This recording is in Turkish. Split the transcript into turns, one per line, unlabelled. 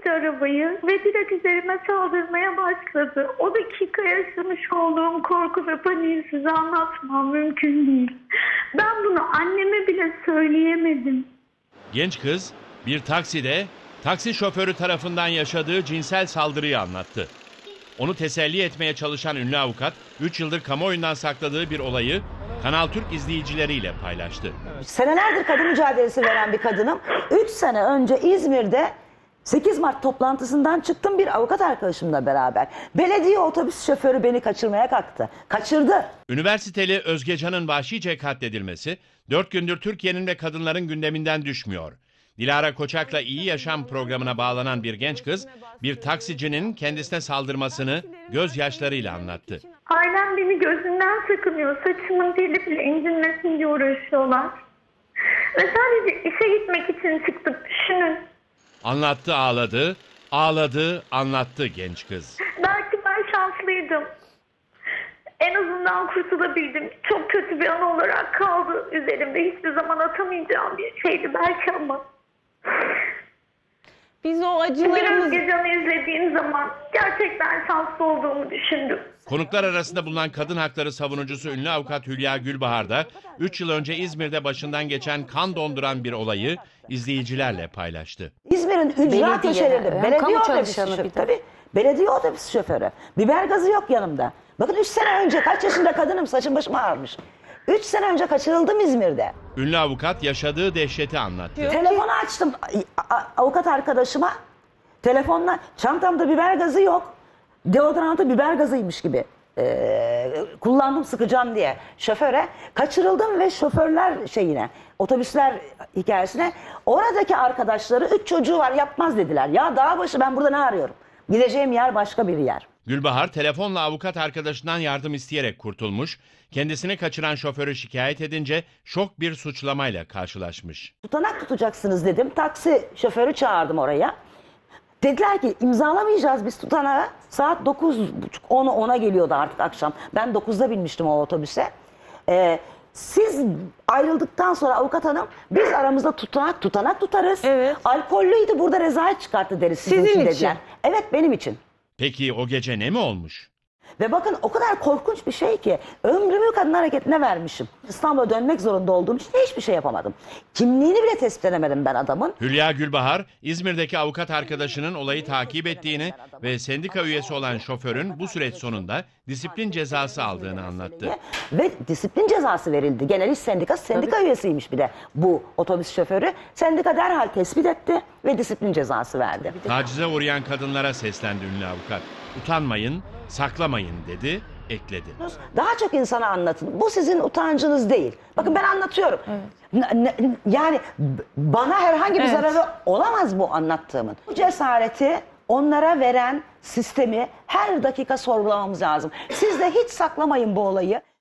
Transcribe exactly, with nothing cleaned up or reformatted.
etti arabayı ve direkt üzerime saldırmaya başladı. O dakika yaşamış olduğum korku ve paniği size anlatmam mümkün değil. Ben bunu anneme bile söyleyemedim.
Genç kız bir takside taksi şoförü tarafından yaşadığı cinsel saldırıyı anlattı. Onu teselli etmeye çalışan ünlü avukat, üç yıldır kamuoyundan sakladığı bir olayı Kanal Türk izleyicileriyle paylaştı.
Senelerdir kadın mücadelesi veren bir kadınım. üç sene önce İzmir'de sekiz Mart toplantısından çıktım bir avukat arkadaşımla beraber. Belediye otobüs şoförü beni kaçırmaya kalktı. Kaçırdı.
Üniversiteli Özgecan'ın vahşice katledilmesi dört gündür Türkiye'nin ve kadınların gündeminden düşmüyor. Dilara Koçak'la İyi Yaşam programına bağlanan bir genç kız, bir taksicinin kendisine saldırmasını gözyaşlarıyla anlattı.
Ailem beni gözünden sakınıyor. Saçımın teli bile incinmesin diye uğraşıyorlar. Ve sadece işe gitmek için çıktık, düşünün.
Anlattı ağladı, ağladı anlattı genç kız.
Belki ben şanslıydım. En azından kurtulabildim. Çok kötü bir an olarak kaldı üzerimde. Hiçbir zaman atamayacağım bir şeydi belki ama.
Biz o
Biraz
acılarımız...
Özgecan'ı izlediğim zaman gerçekten şanslı olduğumu düşündüm.
Konuklar arasında bulunan kadın hakları savunucusu ünlü avukat Hülya Gülbahar da üç yıl önce İzmir'de başından geçen kan donduran bir olayı izleyicilerle paylaştı.
İzmir'in ücra
Belediye,
köşelerinde
yani
belediye
kamu
otobüs
çalışanı
şoförü.
bir de.
Tabii, belediye otobüs şoförü. Biber gazı yok yanımda. Bakın üç sene önce, kaç yaşında kadınım, saçım başım ağarmış. üç sene önce kaçırıldım İzmir'de.
Ünlü avukat yaşadığı dehşeti anlattı.
Telefonu açtım a- a- avukat arkadaşıma. Telefonla çantamda biber gazı yok. Deodorantı biber gazıymış gibi ee, kullandım sıkacağım diye şoföre. Kaçırıldım ve şoförler şeyine, otobüsler hikayesine oradaki arkadaşları üç çocuğu var yapmaz dediler. Ya dağ başı ben burada ne arıyorum? Gideceğim yer başka bir yer.
Gülbahar telefonla avukat arkadaşından yardım isteyerek kurtulmuş, kendisini kaçıran şoförü şikayet edince şok bir suçlamayla karşılaşmış.
Tutanak tutacaksınız dedim. Taksi şoförü çağırdım oraya. Dediler ki imzalamayacağız biz tutanağı. Saat dokuz buçuk on ona geliyordu artık akşam. Ben dokuzda binmiştim o otobüse. Ee, siz ayrıldıktan sonra avukat hanım biz aramızda tutanak tutanak tutarız.
Evet.
Alkollüydü burada rezalet çıkarttı deriz sizin,
Sizin
için
için.
dediler. Evet benim için.
Peki o gece ne mi olmuş?
Ve bakın o kadar korkunç bir şey ki ömrümü kadın hareketine vermişim. İstanbul'a dönmek zorunda olduğum için hiçbir şey yapamadım. Kimliğini bile tespit edemedim ben adamın.
Hülya Gülbahar, İzmir'deki avukat arkadaşının olayı takip ettiğini ve sendika üyesi olan şoförün bu süreç sonunda disiplin cezası aldığını anlattı.
Ve disiplin cezası verildi. Genel İş Sendikası sendika üyesiymiş bir de bu otobüs şoförü. Sendika derhal tespit etti ve disiplin cezası verdi.
Tacize uğrayan kadınlara seslendi ünlü avukat. Utanmayın, saklamayın dedi, ekledi.
Daha çok insana anlatın. Bu sizin utancınız değil. Bakın ben anlatıyorum. N- n- Yani b- bana herhangi bir
Evet.
zararı olamaz bu anlattığımın. Bu cesareti onlara veren sistemi her dakika sorgulamamız lazım. Siz de hiç saklamayın bu olayı.